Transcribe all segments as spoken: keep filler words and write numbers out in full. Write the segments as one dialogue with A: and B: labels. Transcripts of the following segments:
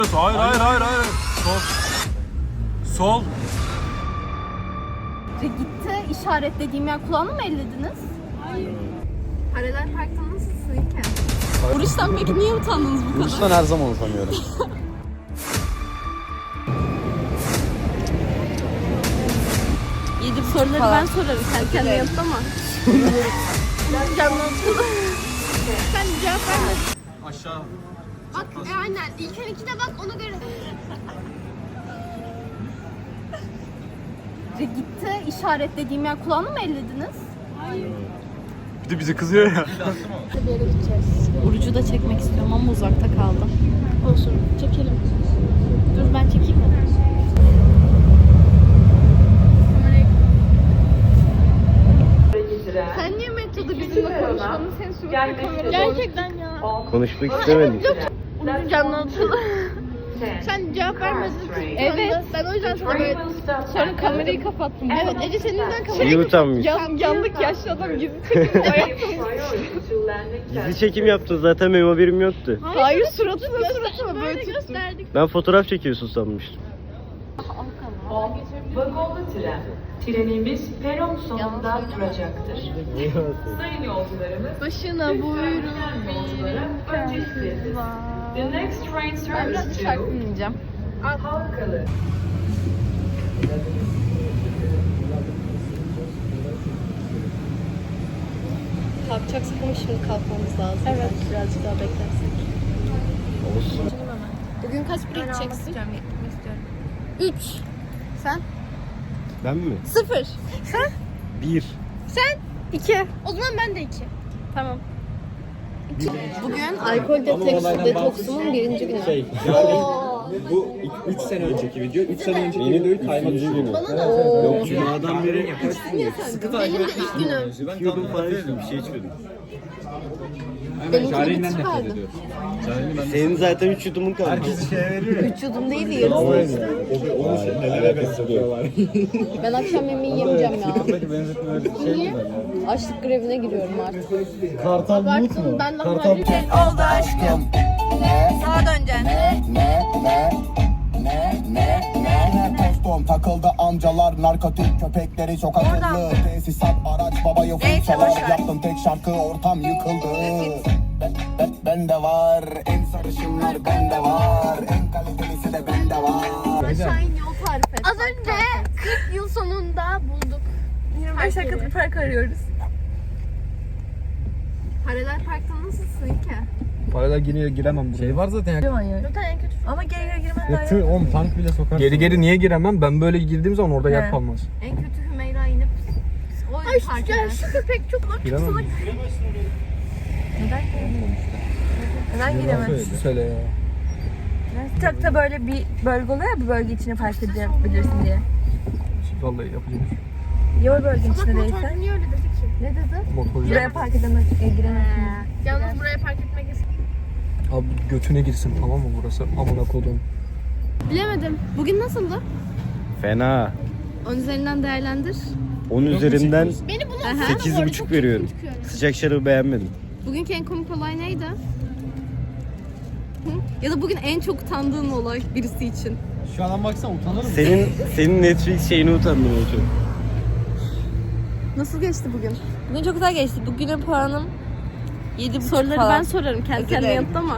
A: Hayır hayır hayır hayır. Sol. Sol.
B: Gitti işaretlediğim yer kulağını mı ellediniz? Hayır. Paralel parkta nasılsın İlker? Oruçtan peki niye utandınız bu kadar?
C: Oruçtan her zaman utanıyorum.
B: Yedi soruları ben sorarım. Sen kendine yanıtlama. Canlı otur. Sen cevap verme.
A: Aşağı.
B: Bak e, aynen. İlker ikide bak ona göre. Gitti işaretlediğim yer kulağını mı ellediniz?
A: Bir de bize kızıyor ya.
B: Bir yere gideceğiz. Orucu da çekmek istiyorum ama uzakta kaldı. Olsun. Çekelim. Dur ben çekeyim mi? Sen niye metodu bizimle konuşmanı sen sürekli kamerada gerçekten ya.
C: Konuşmak istemedim.
B: Canlı otur. Sen cevap vermedin. Evet. Ben o yüzden sana böyle sonra kamerayı kapattım. Evet Ece senin yüzünden kamerayı
C: İyi utanmış.
B: Yan, yandık yaşlı adam gizli çekim ayakta.
C: Gizli çekim yaptın zaten benim haberim yoktu.
B: Hayır suratına suratına böyle gösterdik.
C: Ben fotoğraf çekiyorsun sanmıştım.
D: Vagonlu tren. Trenimiz peron sonunda duracaktır. Sayın yolcularımız,
B: Başına buyurun.
D: yolculara önce istediniz. The next train
B: Ben biraz
D: service
B: şarkı
D: to
B: dinleyeceğim.
D: Halkalı.
B: Kalkacaksak ama şimdi kalkmamız lazım. Evet. Birazcık daha beklersek.
C: Olsun.
B: Bugün kaç bir gideceksin? Üç. Sen?
C: Ben mi?
B: Sıfır. Sen?
C: Bir.
B: Sen? İki. O zaman ben de iki. Tamam. Bugün alkol deteks, detoksumun birinci günü.
E: Şey, bu üç sene önceki video, üç sene önceki videoyu kaymak için.
B: Bana da ooo.
C: Yok cumadan beri yaparsın ya.
E: Sıkı
B: Benim
E: takip
B: de ilk günüm.
E: Ben
C: Yudum
E: tam
C: falan
E: fark
C: içtim, bir şey içmedim.
B: Benimki
E: Şahin'den
B: bir
E: nefret
B: çıkardı.
E: ediyorum. Şahin'i ben
C: Senin zaten üç yudumun kaldı.
E: herkesi şeye veriyor ya.
B: Üç yudum değil de yarısı.
E: Onu şey, nelere benzetiyorlar.
B: Ben akşam yemeği yemeyeceğim ya.
E: Buradaki benzetmeler şey
B: Niye?
E: mi?
B: Açlık grevine giriyorum artık.
E: Kartal Bulut mu?
B: Ben
E: Kartal
F: oldu aşkım. Sağa döneceksin.
G: Ne ne ne ne ne ne tostum takıldı amcalar narkotik köpekleri çok akıllı tesisat araç babayı
F: Neyse,
G: fırçalar
F: boş ver.
G: yaptım tek şarkı ortam yıkıldı ben, ben, bende var en sarışınlar bende var en kalitelisi de bende var.
B: Şahin yol tarif et. Az önce kırk yıl sonunda bulduk.
F: yirmi beş dakikalık park arıyoruz.
B: Paralel parkta nasılsın ki?
E: Parayla geri giremem buraya. Şey var zaten ya.
B: Zaten en kötü.
F: Ama geri geri girmen daha
E: Yatır,
F: iyi.
E: oğlum tank bile sokar. Geri geri niye giremem? Ben böyle girdiğim zaman orada
F: He.
E: yer kalmaz.
B: En kötü Hümeyra inip o
F: Ay
B: park
F: şu,
B: eder.
F: şu köpek çok çok
E: Giremem.
F: salak. Neden giremem? Neden giremez?
E: Söyle ya.
F: TikTok'ta böyle bir bölge oluyor ya, bu bölge içine park edebilirsin diye.
E: Vallahi yapacağım.
F: Ya o bölgenin içinde
B: Motor
F: değilse?
B: niye öyle dedi ki?
F: Ne dedi?
E: Motorcu.
F: Buraya park edemez, e, giremezsin.
B: Yalnız buraya park etmek yasak.
E: Abi götüne girsin tamam mı burası? Amına kodum.
B: Bilemedim. Bugün nasıldı?
C: Fena.
B: On üzerinden değerlendir.
C: On üzerinden
B: Beni bunu
C: sekiz buçuk veriyorum. Sıcak şarabı beğenmedim.
B: Bugünkü en komik olay neydi? Hı? Ya da bugün en çok utandığın olay birisi için.
E: Şu an baksana utanırım.
C: Senin senin Netflix şeyini utandım o çok.
B: Nasıl geçti bugün?
F: Bugün çok güzel geçti. Bugünün puanım yedi buçuk
B: Soruları
F: falan.
B: ben sorarım. Kendi kendine
F: dilerim.
B: yanıtlama.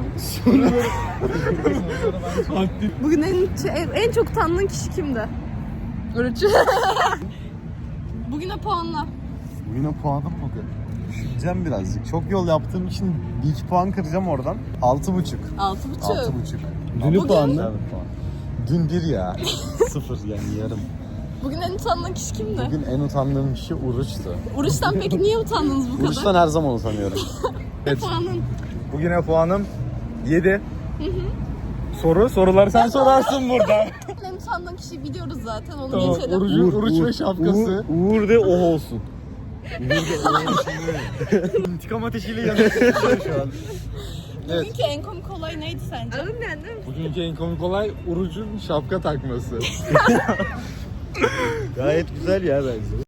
B: Bugün en, en çok utandığın kişi kimdi?
F: Oruç.
B: Bugüne puanla.
H: Bugüne puanım bugün. Düşüneceğim birazcık. Çok yol yaptığım için bir iki puan kıracağım oradan. Altı buçuk.
B: Altı buçuk.
H: Altı buçuk.
C: Dünü puanla.
H: Dün bir ya. Sıfır yani yarım.
B: Bugün en utandığın kişi kimdi?
H: Bugün en utandığım kişi Uruç'tu.
B: Oruçtan peki niye utandınız bu kadar?
H: Uruç'tan her zaman utanıyorum.
B: Ne puanın?
E: Bugüne puanım yedi. Soru, soruları sen sorarsın burada.
B: En utandığın kişiyi biliyoruz zaten. Onu
E: Tamam,
B: geçelim.
E: Uğur, Uruç ve şapkası.
C: Uğur, Uğur de oh olsun.
E: İntikam ateşiyle yanıyor şu an.
B: Bugünkü en komik olay neydi sence?
F: Alın yani değil mi?
E: Bugünkü en komik olay Uruç'un şapka takması.
C: Gayet güzel ya bence.